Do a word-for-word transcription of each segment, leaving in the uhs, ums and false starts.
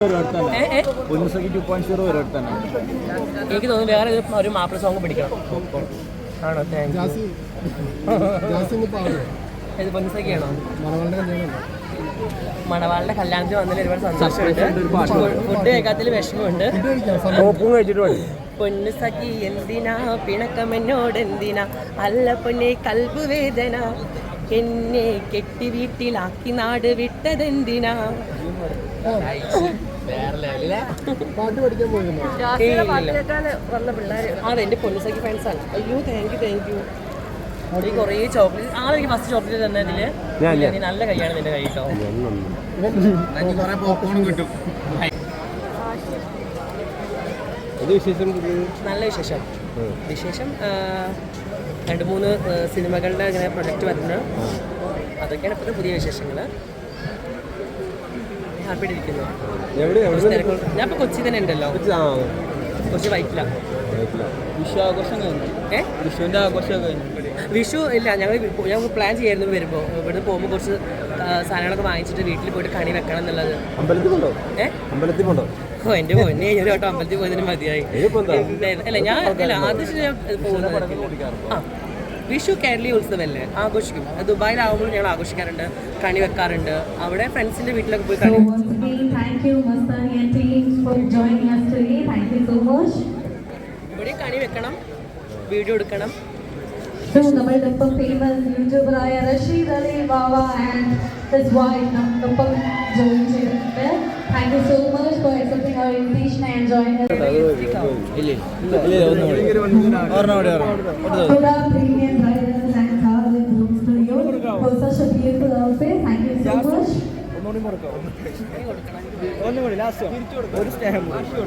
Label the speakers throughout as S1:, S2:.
S1: എനിക്ക് തോന്നുന്നു വേറെ ഒരു മാപ്പിള സോങ് പിടിക്കണം. ആണോ? താങ്ക് ഇത് പൊന്നിസൊക്കെയാണോ? മണവാളുടെ കല്യാണത്തിന് വന്നതിൽ ഒരുപാട് സന്തോഷമുണ്ട്. ഫുഡ് കഴിക്കാത്തതിൽ വിഷമമുണ്ട്. പൊന്നുസഖി എന്തിനാ പിണക്കമെന്നോട് എന്തിനാ അല്ല പൊന്നെ കൽബ് വേദന എന്നെ കെട്ടി വീട്ടിലാക്കി നാട് വിട്ടതെന്തിനാ. അതെ എന്റെ പൊന്നുസഖി ഫാൻസാണ്. അയ്യോ താങ്ക് യു താങ്ക് യു. ഈ കുറേ ചോക്ലേറ്റ് ആ എനിക്ക് ഫസ്റ്റ് ചോക്ലേറ്റ് തന്നെ ഇതില് നല്ല കൈയാണ് നിന്റെ കൈ കേട്ടോ. നല്ല വിശേഷം. വിശേഷം രണ്ട് മൂന്ന് സിനിമകളുടെ ഇങ്ങനെ പ്രൊജക്റ്റ് വരുന്നത്, അതൊക്കെയാണ് ഇപ്പോഴത്തെ പുതിയ വിശേഷങ്ങൾ. ഹാപ്പിയായിട്ട് ഇരിക്കുന്നു. ഞാൻ ഇപ്പോൾ കൊച്ചി തന്നെ ഉണ്ടല്ലോ, കൊച്ചി വൈറ്റില. വിഷു ആഘോഷം കഴിഞ്ഞു. ഏഹ് വിഷുവിൻ്റെ ആഘോഷമൊക്കെ കഴിഞ്ഞു. വിഷു ഇല്ല, ഞങ്ങൾ ഞങ്ങൾ പ്ലാൻ ചെയ്യായിരുന്നു വരുമ്പോൾ. ഇവിടുന്ന് പോകുമ്പോൾ കുറച്ച് സാധനങ്ങളൊക്കെ വാങ്ങിച്ചിട്ട് വീട്ടിൽ പോയിട്ട് കണി വെക്കണം എന്നുള്ളത്. അമ്പലത്തിൽ പോണ്ടോ? ഏഹ് അമ്പലത്തിൽ പോണ്ടോ? ഓ എൻ്റെ പൊന്നെ, ഒരു വട്ടം അമ്പലത്തിൽ പോയതിന് മതിയായി. അല്ല ഞാൻ അല്ല ആദ്യം ഞാൻ പോകുന്നത്. ആ വിഷു കേരളീയ ഉത്സവമല്ലേ, ആഘോഷിക്കും. ദുബായിലാവുമ്പോൾ ഞങ്ങൾ ആഘോഷിക്കാറുണ്ട്, കണി വെക്കാറുണ്ട്. അവിടെ ഫ്രണ്ട്സിൻ്റെ വീട്ടിലൊക്കെ പോയി കണി. ഇവിടെ കണി വെക്കണം, വീഡിയോ എടുക്കണം.
S2: നമ്മളിപ്പം ഫേമസ് യൂട്യൂബറായ Rasheed Ali Bava and his wife നമ്മളിപ്പം ജോയിൻ ചെയ്തിട്ടുണ്ട്. Thank you so much for accepting our invitation and joining us. Premium bridals and cars and grooms to you for such a beautiful outfit. Thank you so much.
S1: ഒന്നുകൂടി last ഒരു സ്നേഹം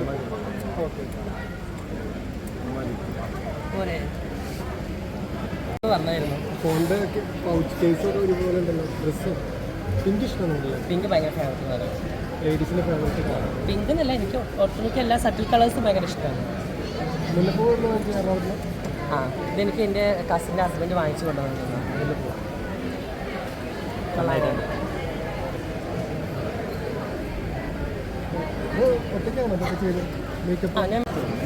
S1: പോരെ പറഞ്ഞായിരുന്നു.
S3: ഫോണിൻ്റെ pouch കേസൊക്കെ ഒരുപോലെ ഉണ്ടല്ലോ. ഡ്രസ്സ് പിങ്ക് ഇഷ്ടമാണല്ലോ.
S1: പിങ്ക് ഭയങ്കര ഫേവറേറ്റ് ആണ്.
S3: ലേഡീസിൻ്റെ ഫേവറേറ്റ്
S1: പിങ്ക് എന്നല്ല, എനിക്ക് ഒട്ടുമിക്ക എല്ലാ സട്ടിൽ കളേഴ്സും ഭയങ്കര ഇഷ്ടമാണ്.
S3: മുല്ലപ്പൂ എറണാകുളത്ത്.
S1: ആ ഇതെനിക്ക് എൻ്റെ കസിൻ്റെ ഹസ്ബൻഡ് വാങ്ങിച്ചു കൊണ്ടുവന്നിരുന്നു. മുല്ലപ്പൂ നന്നായിട്ടുണ്ട്.
S3: ഒറ്റയ്ക്കാണോ അതൊക്കെ ചെയ്ത് മേക്കപ്പ്?
S1: ആ ഞാൻ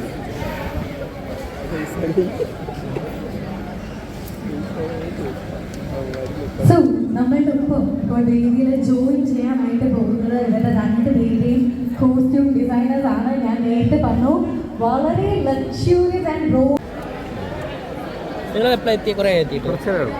S2: സോ നമ്മളുടെ ഒപ്പം ഇപ്പോൾ വേദിയിൽ ജോയിൻ ചെയ്യാനായിട്ട് പോകുന്നത് ഇവരുടെ രണ്ട് പേരുടെയും കോസ്റ്റ്യൂം ഡിസൈനേഴ്സ് ആണ്. ഞാൻ നേരത്തെ പറഞ്ഞു വളരെ ലക്ഷ്യൂറിയസ് ആൻഡ് റോ.
S1: നിങ്ങൾ എപ്പോഴും എത്തി? കുറേ എത്തിയിട്ട്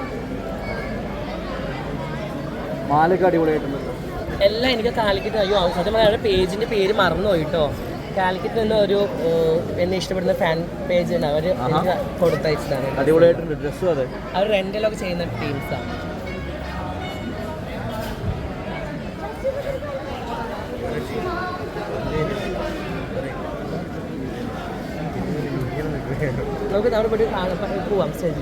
S3: മാലൊക്കെ അടിപൊളിയായിട്ടുണ്ടല്ലോ
S1: എല്ലാം. എനിക്ക് കാലിക്കറ്റ് അയ്യോ സത്യം പറഞ്ഞാൽ പേജിൻ്റെ പേര് മറന്നുപോയി കേട്ടോ. കാലിക്കറ്റ് നിന്ന് ഒരു എന്നെ ഇഷ്ടപ്പെടുന്ന ഫാൻ പേജ് ഉണ്ട്, അവർ എനിക്ക് കൊടുത്തയച്ചതാണ്.
S3: അടിപൊളിയായിട്ടുണ്ട് ഡ്രസ്സും. അതെ
S1: അവർ റെൻ്റലൊക്കെ ചെയ്യുന്ന ടീംസാണ്. നമുക്ക് അവിടെ പോയിട്ട് പോവാം സ്റ്റേജിൽ.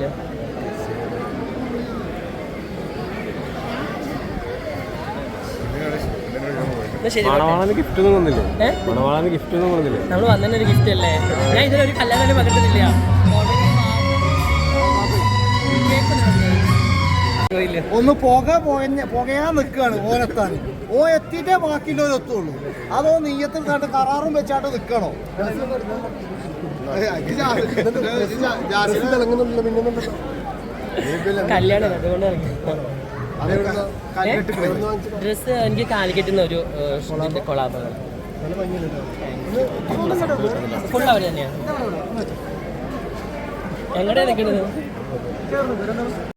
S3: ഗിഫ്റ്റ് ഒന്നും വന്നില്ലേ? ഗിഫ്റ്റ് ഒന്നും വന്നില്ലേ?
S1: നമ്മൾ വന്നതിന് ഒരു ഗിഫ്റ്റ് അല്ലേ. ഞാൻ ഇതിലൊരു കല്യാണം പകർത്തിട്ടില്ല.
S4: ഒന്ന് പുക പുകയാൻ നിൽക്കുകയാണ് ഓനെത്താൻ. ഓ എത്തിയിട്ടേ ബാക്കിയുള്ളവർ എത്തുള്ളൂ. അതോ നെയ്യത്തിൽ കണ്ട് കറാറും വെച്ചാട്ട് നിൽക്കണോ?
S1: കല്യാണം അതുകൊണ്ട് ഡ്രസ്സ് എനിക്ക് കാലിക്കറ്റ് നിന്ന് ഒരു കൊളാബാണ്. ഫുൾ അവർ തന്നെയാണ്. എങ്ങനെയാണ് നിൽക്കുന്നത്?